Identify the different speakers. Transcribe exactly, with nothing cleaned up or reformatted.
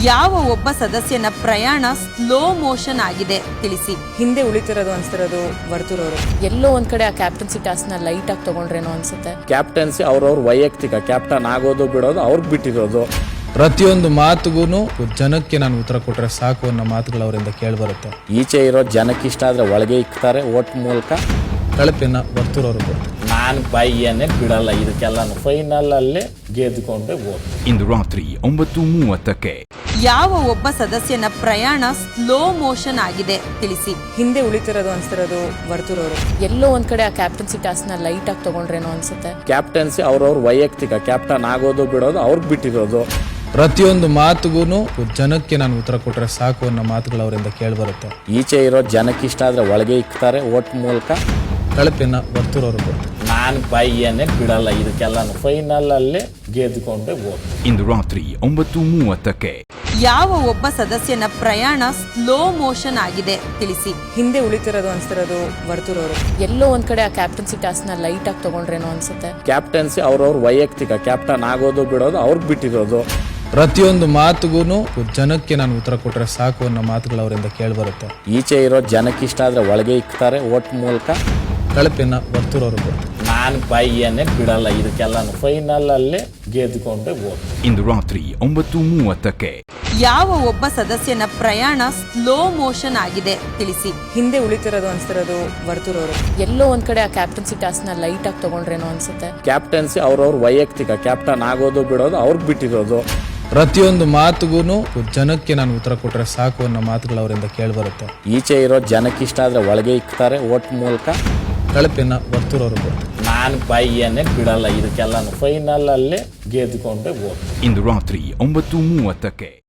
Speaker 1: ಯಾವ ಒಬ್ಬ ಸದಸ್ಯನ ಪ್ರಯಾಣ ಸ್ಲೋ ಮೋಷನ್ ಆಗಿದೆ ತಿಳಿಸಿ.
Speaker 2: ಹಿಂದೆ ಉಳಿತಿರೋದು ಅನ್ಸ್ತಿರೋದು ವರ್ತೂರವರು.
Speaker 3: ಎಲ್ಲೋ ಒಂದ್ ಕಡೆ ಆ ಕ್ಯಾಪ್ಟನ್ಸಿ ಟಾಸ್ಕ್ ನ ಲೈಟ್ ಆಗಿ ತಗೊಂಡ್ರೇನೋ ಅನ್ಸುತ್ತೆ.
Speaker 4: ಕ್ಯಾಪ್ಟನ್ಸಿ ಅವ್ರವ್ರ ವೈಯಕ್ತಿಕ, ಕ್ಯಾಪ್ಟನ್ ಆಗೋದು ಬಿಡೋದು ಅವ್ರಿಗೆ ಬಿಟ್ಟಿರೋದು.
Speaker 5: ಪ್ರತಿಯೊಂದು ಮಾತುಗೂ ಜನಕ್ಕೆ ನಾನು ಉತ್ತರ ಕೊಟ್ರೆ ಸಾಕು ಅನ್ನೋ ಮಾತುಗಳು ಅವರಿಂದ ಕೇಳಿಬರುತ್ತೆ.
Speaker 4: ಈಚೆ ಇರೋ ಜನಕ್ಕೆ ಇಷ್ಟ ಆದ್ರೆ ಒಳಗೆ ಇಕ್ತಾರೆ ಓಟ್ ಮೂಲಕ.
Speaker 5: ಕಳಪೆನ ವರ್ತೂರವರು
Speaker 4: ನಾನು ಬಾಯಿಯನ್ನೇ ಬಿಡಲ್ಲ, ಇದಕ್ಕೆಲ್ಲಾನು ಫೈನಲ್ ಅಲ್ಲೇ ಗೆದ್ದುಕೊಂಡೆ ಓಟ್.
Speaker 6: ಇಂದು ರಾತ್ರಿ ಒಂಬತ್ತು ಮೂವತ್ತಕ್ಕೆ
Speaker 1: ಯಾವ ಒಬ್ಬ ಸದಸ್ಯನ ಪ್ರಯಾಣ ಸ್ಲೋ ಮೋಷನ್ ಆಗಿದೆ ತಿಳಿಸಿ.
Speaker 2: ಹಿಂದೆ ಉಳಿತಿರೋದು ಅನ್ಸ್ತಿರೋದು ವರ್ತೂರವರು.
Speaker 3: ಎಲ್ಲೋ ಒಂದ್ ಕಡೆ ಆ ಕ್ಯಾಪ್ಟನ್ಸಿ ಟಾಸ್ಕ್ ನ ಲೈಟ್ ಆಗಿ ತಗೊಂಡ್ರೇನೋ ಅನ್ಸುತ್ತೆ.
Speaker 4: ಕ್ಯಾಪ್ಟನ್ಸಿ ಅವ್ರವ್ರ ವೈಯಕ್ತಿಕ, ಕ್ಯಾಪ್ಟನ್ ಆಗೋದು ಬಿಡೋದು ಅವ್ರಿಗೆ ಬಿಟ್ಟಿರೋದು.
Speaker 5: ಪ್ರತಿಯೊಂದು ಮಾತುಗೂ ಜನಕ್ಕೆ ನಾನು ಉತ್ತರ ಕೊಟ್ರೆ ಸಾಕು ಅನ್ನೋ ಮಾತುಗಳು ಅವರಿಂದ ಕೇಳಿಬರುತ್ತೆ.
Speaker 4: ಈಚೆ ಇರೋ ಜನಕ್ಕೆ ಇಷ್ಟ ಆದ್ರೆ ಒಳಗೆ ಇಕ್ತಾರೆ ಓಟ್ ಮೂಲಕ.
Speaker 5: ಕಳಪೆನ ವರ್ತೂರವರು
Speaker 4: ನಾನು ಬಾಯಿಯನ್ನೇ ಬಿಡಲ್ಲ, ಇದಕ್ಕೆಲ್ಲಾನು ಫೈನಲ್ ಅಲ್ಲೇ ಗೆದ್ದುಕೊಂಡೆ ಓಟ್.
Speaker 6: ಇಂದು ರಾತ್ರಿ ಒಂಬತ್ತು ಮೂವತ್ತಕ್ಕೆ
Speaker 1: ಯಾವ ಒಬ್ಬ ಸದಸ್ಯನ ಪ್ರಯಾಣ ಸ್ಲೋ ಮೋಷನ್ ಆಗಿದೆ ತಿಳಿಸಿ.
Speaker 2: ಹಿಂದೆ ಉಳಿತಿರೋದು ಅನ್ಸ್ತಿರೋದು ವರ್ತೂರವರು.
Speaker 3: ಎಲ್ಲೋ ಒಂದ್ ಕಡೆ ಆ ಕ್ಯಾಪ್ಟನ್ಸಿ ಟಾಸ್ಕ್ ನ ಲೈಟ್ ಆಗಿ ತಗೊಂಡ್ರೇನೋ ಅನ್ಸುತ್ತೆ.
Speaker 4: ಕ್ಯಾಪ್ಟನ್ಸಿ ಅವ್ರವ್ರ ವೈಯಕ್ತಿಕ, ಕ್ಯಾಪ್ಟನ್ ಆಗೋದು ಬಿಡೋದು ಅವ್ರಿಗೆ ಬಿಟ್ಟಿರೋದು.
Speaker 5: ಪ್ರತಿಯೊಂದು ಮಾತುಗೂ ಜನಕ್ಕೆ ನಾನು ಉತ್ತರ ಕೊಟ್ರೆ ಸಾಕು ಅನ್ನೋ ಮಾತುಗಳು ಅವರಿಂದ ಕೇಳಿಬರುತ್ತೆ.
Speaker 4: ಈಚೆ ಇರೋ ಜನಕ್ಕೆ ಇಷ್ಟ ಆದ್ರೆ ಒಳಗೆ ಇಕ್ತಾರೆ ಓಟ್ ಮೂಲಕ.
Speaker 5: ಕಳಪೆನ ವರ್ತೂರವರು
Speaker 4: ನಾನು ಬಾಯಿಯನ್ನೇ ಬಿಡಲ್ಲ, ಇದಕ್ಕೆಲ್ಲಾನು ಫೈನಲ್ ಅಲ್ಲೇ ಗೆದ್ದುಕೊಂಡೆ ಓಟ್.
Speaker 6: ಇಂದು ರಾತ್ರಿ ಒಂಬತ್ತು ಮೂವತ್ತಕ್ಕೆ
Speaker 1: ಯಾವ ಒಬ್ಬ ಸದಸ್ಯನ ಪ್ರಯಾಣ ಸ್ಲೋ ಮೋಷನ್ ಆಗಿದೆ ತಿಳಿಸಿ.
Speaker 2: ಹಿಂದೆ ಉಳಿತಿರೋದು ಅನ್ಸ್ತಿರೋದು ವರ್ತೂರವರು.
Speaker 3: ಎಲ್ಲೋ ಒಂದ್ ಕಡೆ ಆ ಕ್ಯಾಪ್ಟನ್ಸಿ ಟಾಸ್ಕ್ ನ ಲೈಟ್ ಆಗಿ ತಗೊಂಡ್ರೇನೋ ಅನ್ಸುತ್ತೆ.
Speaker 4: ಕ್ಯಾಪ್ಟನ್ಸಿ ಅವ್ರವ್ರ ವೈಯಕ್ತಿಕ, ಕ್ಯಾಪ್ಟನ್ ಆಗೋದು ಬಿಡೋದು ಅವ್ರಿಗೆ ಬಿಟ್ಟಿರೋದು.
Speaker 5: ಪ್ರತಿಯೊಂದು ಮಾತುಗೂ ಜನಕ್ಕೆ ನಾನು ಉತ್ತರ ಕೊಟ್ರೆ ಸಾಕು ಅನ್ನೋ ಮಾತುಗಳು ಅವರಿಂದ ಕೇಳಿಬರುತ್ತೆ.
Speaker 4: ಈಚೆ ಇರೋ ಜನಕ್ಕೆ ಇಷ್ಟ ಆದ್ರೆ ಒಳಗೆ ಇಕ್ತಾರೆ ಓಟ್ ಮೂಲಕ.
Speaker 5: ಕಳಪೆನ ವರ್ತೂರವರು
Speaker 4: ನಾನು ಬಾಯಿಯನ್ನೇ ಬಿಡಲ್ಲ, ಇದಕ್ಕೆಲ್ಲಾನು ಫೈನಲ್ ಅಲ್ಲೇ ಗೆದ್ದುಕೊಂಡೆ ಓಟ್.
Speaker 6: ಇಂದು ರಾತ್ರಿ ಒಂಬತ್ತು ಮೂವತ್ತಕ್ಕೆ